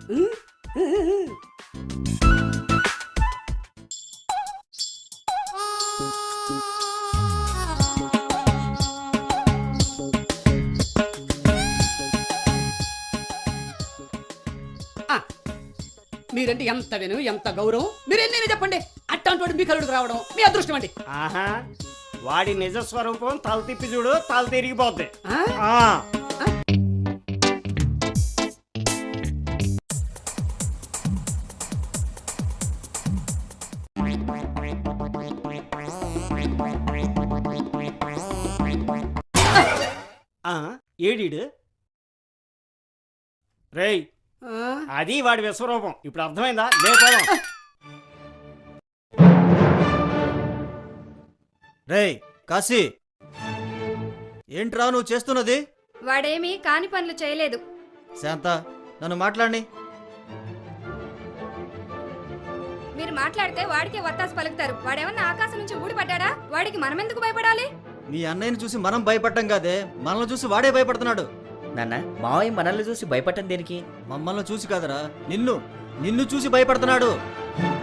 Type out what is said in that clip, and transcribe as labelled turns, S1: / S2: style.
S1: మీరంటే ఎంత విను, ఎంత గౌరవం. మీరేం చెప్పండి, అట్లాంటి మీ కలుడికి రావడం మీ అదృష్టం అండి.
S2: ఆహా, వాడి నిజ స్వరూపం తల తిప్పి చూడు, తల తిరిగిపోద్ది. ఏడీడు రేయ్, అది వాడి విశ్వరూపం. ఇప్పుడు అర్థమైందా? లేకపోదాం.
S3: రేయ్ కాశీ, ఏంట్రా నువ్వు చేస్తున్నది?
S4: వాడేమీ కాని పనులు చేయలేదు.
S3: శాంత, నన్ను మాట్లాడి.
S4: మీరు మాట్లాడితే వాడికే వత్తాసు పలుకుతారు. వాడేమన్నా ఆకాశం నుంచి ఊడిపడ్డా? వాడికి మనమెందుకు భయపడాలి?
S3: మీ అన్నయ్యని చూసి మనం భయపడ్డం కాదే, మనల్ని చూసి వాడే భయపడుతున్నాడు.
S5: నాన్న, మావయ్య మనల్ని చూసి భయపడటం దేనికి?
S3: మమ్మల్ని చూసి కాదరా, నిన్ను చూసి భయపడుతున్నాడు.